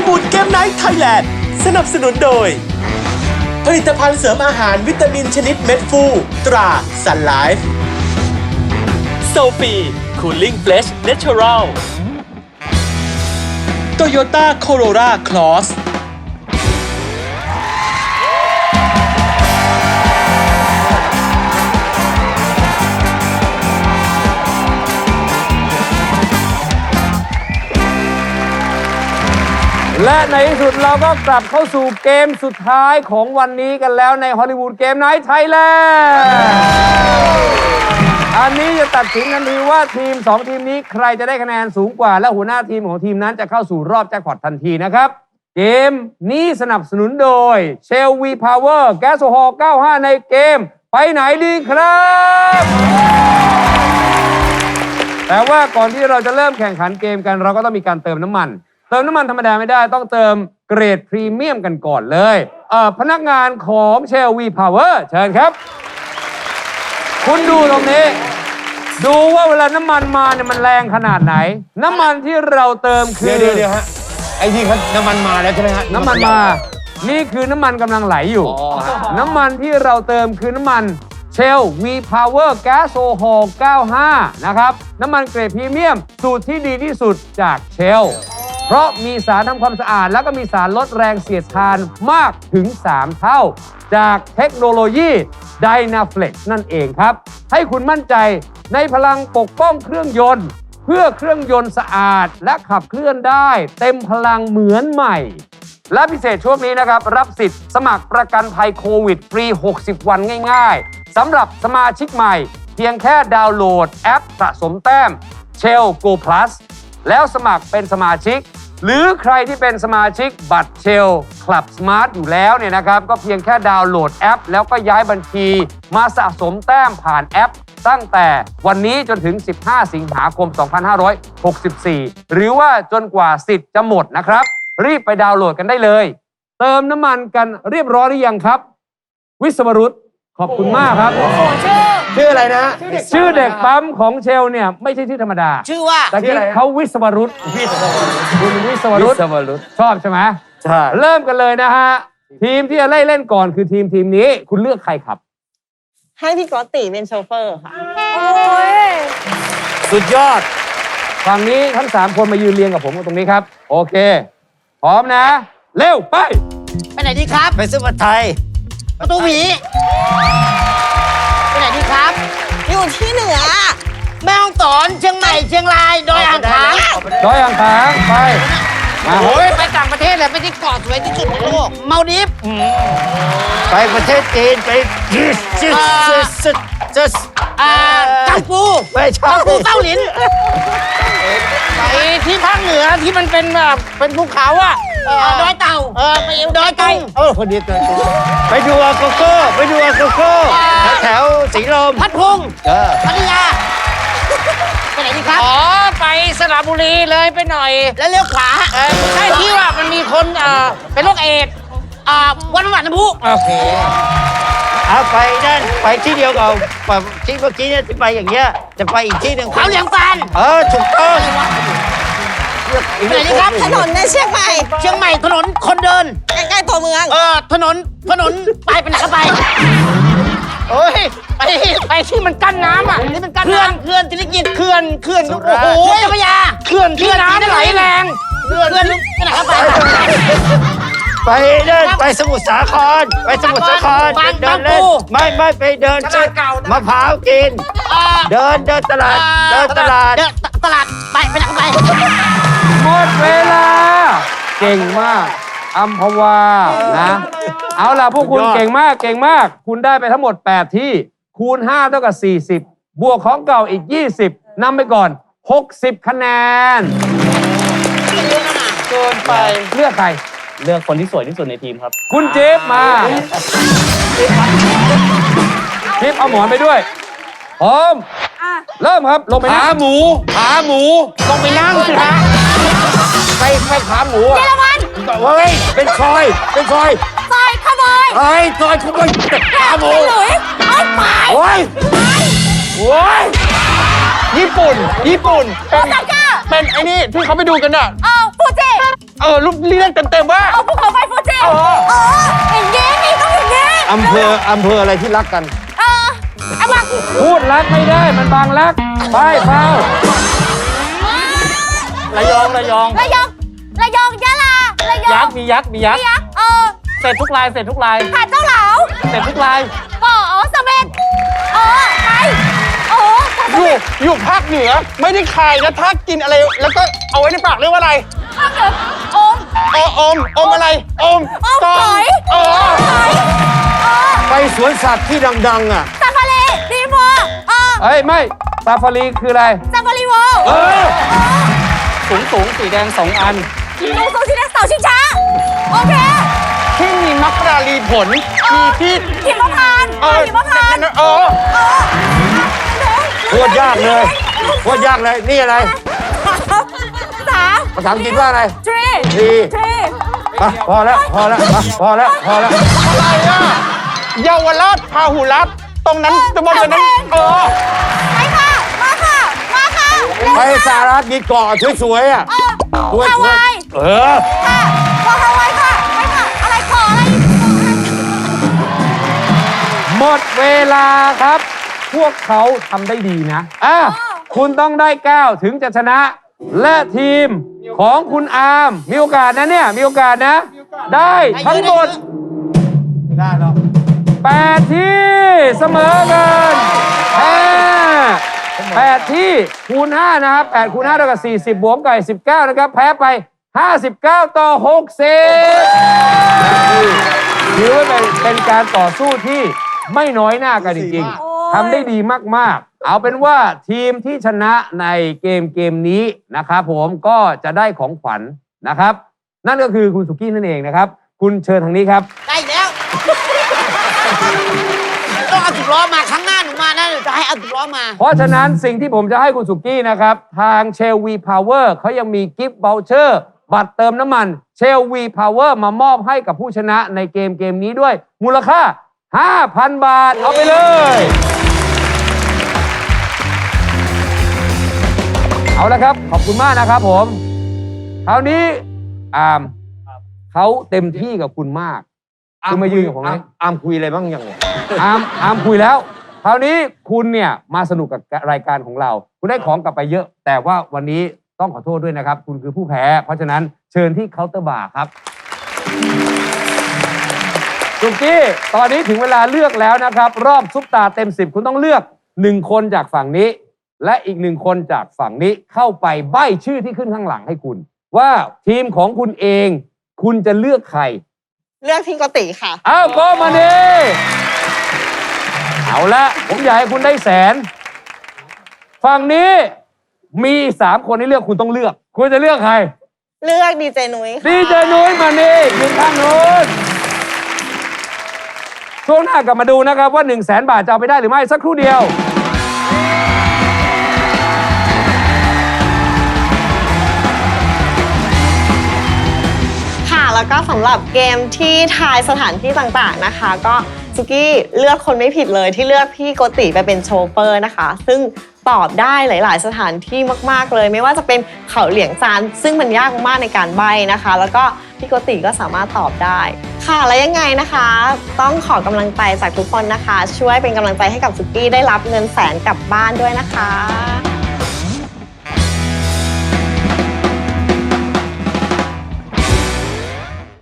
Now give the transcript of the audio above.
วูดเกมไนท์ไทยแลนด์สนับสนุนโดยผลิตภัณฑ์เสริมอาหารวิตามินชนิดเม็ดฟูตราซันไลฟ์โซฟีคูลิ่งเฟลชเนเชอรัลโตโยต้าโคโรราคลอสและในที่สุดเราก็กลับเข้าสู่เกมสุดท้ายของวันนี้กันแล้วในฮอลลีวูดเกมไนท์ไทยแลนด์อันนี้จะตัดสินทันทีว่าทีม2ทีมนี้ใครจะได้คะแนนสูงกว่าและหัวหน้าทีมของทีมนั้นจะเข้าสู่รอบแจ็คพอตทันทีนะครับเกมนี้สนับสนุนโดย Shell V Power แก๊สโซฮอล์95ในเกมไปไหนดีครับแต่ว่าก่อนที่เราจะเริ่มแข่งขันเกมกันเราก็ต้องมีการเติมน้ำมันธรรมดาไม่ได้ต้องเติมเกรดพรีเมียมกันก่อนเลยพนักงานของ Shell V Power เชิญครับคุณดูตรงนี้ดูว่าเวลาน้ำมันมาเนี่ยมันแรงขนาดไหนน้ำมันที่เราเติมคือเดี๋ยวฮะไอ้ที่เขาน้ำมันมาแล้วใช่ไหมฮะน้ำมันมานี่คือน้ำมันกำลังไหลอยู่น้ำมันที่เราเติมคือน้ำมัน Shell V Power Gas Oil 95นะครับน้ำมันเกรดพรีเมียมสูตรที่ดีที่สุดจาก Shellเพราะมีสารทำความสะอาดแล้วก็มีสารลดแรงเสียดทานมากถึง3เท่าจากเทคโนโลยี Dynaflex นั่นเองครับให้คุณมั่นใจในพลังปกป้องเครื่องยนต์เพื่อเครื่องยนต์สะอาดและขับเคลื่อนได้เต็มพลังเหมือนใหม่และพิเศษช่วงนี้นะครับรับสิทธิ์สมัครประกันภัยโควิดฟรี60วันง่ายๆสำหรับสมาชิกใหม่เพียงแค่ดาวน์โหลดแอปสะสมแต้ม Shell Go Plus แล้วสมัครเป็นสมาชิกหรือใครที่เป็นสมาชิกบัตร Shell Club Smart อยู่แล้วเนี่ยนะครับก็เพียงแค่ดาวน์โหลดแอปแล้วก็ย้ายบัญชีมาสะสมแต้มผ่านแอปตั้งแต่วันนี้จนถึง15สิงหาคม2564หรือว่าจนกว่าสิทธิ์จะหมดนะครับรีบไปดาวน์โหลดกันได้เลยเติมน้ำมันกันเรียบร้อยหรือยังครับวิศวรุตขอบคุณมากครับชื่ออะไรนะชื่อเด็กปั๊มของเชลเนี่ยไม่ใช่ชื่อธรรมดาชื่อว่าแต่ที่เขาวิศวรุตคุณวิศวรุตชอบใช่ไหมใช่เริ่มกันเลยนะฮะทีมที่จะเล่นก่อนคือทีมนี้คุณเลือกใครครับให้พี่กอตติเป็นโชเฟอร์ค่ะสุดยอดฝั่งนี้ทั้ง3คนมายืนเรียงกับผมตรงนี้ครับโอเคพร้อมนะเร็วไปไหนดีครับไปซื้อผัดไทยประตูหวีไปไหนดีครับอยู่ที่เหนือแม่ฮ่องสอนเชียงใหม่เชียงรายดอยอ่างขางไปโอ้ยไปต่างประเทศเลยไปที่เกาะสวยที่สุดในโลกมาดิฟไปประเทศจีนไปกังฟูไม่ใช่กังฟูเต้าหลินไปที่ภาคเหนือที่มันเป็นแบบเป็นภูเขาอ่ะดอยเต่าไปดอยตุงคนดีตัวไปดูอาโกโก้แถวสีลมพัทพุงพัทยาไปไหนดีครับไปสระบุรีเลยไปหน่อยแล้วเลี้ยวขวาใช่ที่ว่ามันมีคนเป็นโรคเอดส์วันน้ำพุโอเคไปนั่นไปที่เดียวกับที่เมื่อกี้เนี่ยที่ไปอย่างเงี้ยจะไปอีกที่หนึ่งเขาเหลียงซานถูกต้องไหนดีครับถนนในเชียงใหม่ถนนคนเดินใกล้ๆตัวเมืองถนนไปไหนก็ไปโอ้ยไปที่มันกั้นน้ำอ่ะนี่มันกั้นน้ำเขื่อนจิริกิจเขื่อนโอ้โหเจ้าพระยาเขื่อนที่น้ำไหลแรงเขื่อนไปไหนก็ไปไปสมุทรสาครเดินเล่นไม่ไปเดินมะพร้าวกินเดินตลาดไปไหนก็ไปหมดเวลาเก่งมากอัมพวานะเอาล่ะพวกคุณเก่งมากคุณได้ไปทั้งหมด8ที่คูณ5เท่ากับ40บวกของเก่าอีก20นำไปก่อน60คะแนนเกินไปเลือกใครเลือกคนที่สวยที่สุดในทีมครับคุณเจฟมาเจฟเอาหมอนไปด้วยพร้อมเริ่มครับลงไปนั่งขาหมูลงไปนั่งสิฮะไปขาหมูเยอรมันเฮ้ยเป็นซอยซอยขโมยซอยขโมยขาหมูหลุยไปโอ้ยญี่ปุ่นโอซาก้าเป็นไอ้นี่ที่เขาไปดูกันอ่ะฟูจิรูปเรียกเต็มๆว่าภูเขาไฟฟูจิอย่างงี้นี่ต้องอย่างงี้อำเภออะไรที่รักกันเอามาพูดรักไม่ได้มันบางรัก ไปเฝ้าระยองระยองยะลาระยองยักษ์มียักษ์ยักษ์เสร็จทุกลายหาดเจ้าเหลาเสร็จทุกลายเสม็ดไปอยู่ภาคเหนือไม่ได้ขายนะถ้ากินอะไรแล้วก็เอาไว้ในปากเรียกว่าอะไรภาคเหนืออมอะไรอมหอยหอยไปสวนสัตว์ที่ดังๆอ่ะซาฟารีดีมัวเฮ้ย ไม่ซาฟารีคืออะไรซาฟารีเวลสูงสีแดง2 อันสูงสีแดงเสาชิงช้าโอเคที่มีมักราลีผลมีที่หิมพานต์หิมพานต์โคตรยากเลยนี่อะไร ภาษาอังกฤษว่าอะไร tree พอแล้วอะไรอ่ะเยาวราชพาหุรัตน์ตรงนั้นจะบอกเลยนั้นไปค่ะมาค่ะไปสหรัฐมีเกาะสวยๆอ่ะฮาวาย ค่ะขอฮาวายค่ะไปค่ะอะไรขออะไรหมดเวลาครับ พวกเขาทำได้ดีนะคุณต้องได้ 9 ถึงจะชนะ และทีมของคุณอาร์มมีโอกาสนะเนี่ย มีโอกาสนะ ได้ทั้งหมด8 ที่เสมอกัน8 ที่คูณ 5 นะครับ8คูณ 5 เท่ากับ40 บวกไก่19 นะครับ แพ้ไป 59 ต่อ 60ถือว่าเป็นการต่อสู้ที่ไม่น้อยหน้ากันจริงๆทำได้ดีมากๆ เอาเป็นว่าทีมที่ชนะในเกมนี้นะครับผมก็จะได้ของขวัญนะครับ นั่นก็คือคุณสุกี้นั่นเองนะครับ คุณเชิญทางนี้ครับได้แล้ว ต้องเอา10 ล้อมาครั้งหน้าหนูมานะหนูจะให้เอา10 ล้อมาเพราะฉะนั้นสิ่งที่ผมจะให้คุณสุกี้นะครับ ทางเชลวีพาวเวอร์เขายังมีกิฟต์ v อ u เชอร์บัตรเติมน้ำมันเชลวีพาวเวอร์มามอบให้กับผู้ชนะในเกมนี้ด้วยมูลค่า 5,000 บาท เอาไปเลย เอาละครับ ขอบคุณมากนะครับผม คราวนี้อาร์มเขาเต็มที่กับคุณมากคุณมายืนกับผมนะอาร์มคุยอะไรบ้างยังไงอาร์มคุยแล้ว คราวนี้คุณเนี่ยมาสนุกกับรายการของเรา คุณได้ของกลับไปเยอะ แต่ว่าวันนี้ต้องขอโทษด้วยนะครับ คุณคือผู้แพ้ เพราะฉะนั้นเชิญที่เคาน์เตอร์บาร์ครับสุกี้ตอนนี้ถึงเวลาเลือกแล้วนะครับ รอบซุปตาเต็ม 10 คุณต้องเลือก1 คนจากฝั่งนี้ และอีก1 คนจากฝั่งนี้เข้าไปใบ้ชื่อที่ขึ้นข้างหลังให้คุณ ว่าทีมของคุณเองคุณจะเลือกใครเลือกพี่โกติค่ะอ้าวก็มาดิเอาละผมอยากให้คุณได้100,000ฝั่งนี้มี3 คนให้เลือกคุณต้องเลือก คุณจะเลือกใครเลือกดีเจนุ้ยค่ะดีเจนุ้ยมานี่ยืนข้างนู้นช่วงหน้ากลับมาดูนะครับว่า100,000 บาทจะเอาไปได้หรือไม่สักครู่เดียวค่ะแล้วก็สำหรับเกมที่ทายสถานที่ต่างๆนะคะ ก็สุกี้เลือกคนไม่ผิดเลยที่เลือกพี่โกติไปเป็นโชเฟอร์นะคะ ซึ่งตอบได้หลาย ๆ สถานที่มากๆเลย ไม่ว่าจะเป็นเขาเหลียงซานซึ่งมันยากมากๆในการใบ้นะคะ แล้วก็พี่โกติก็สามารถตอบได้ค่ะแล้วยังไงนะคะ ต้องขอกำลังใจจากทุกคนนะคะ ช่วยเป็นกำลังใจให้กับสุกี้ได้รับเงิน100,000กลับบ้านด้วยนะคะ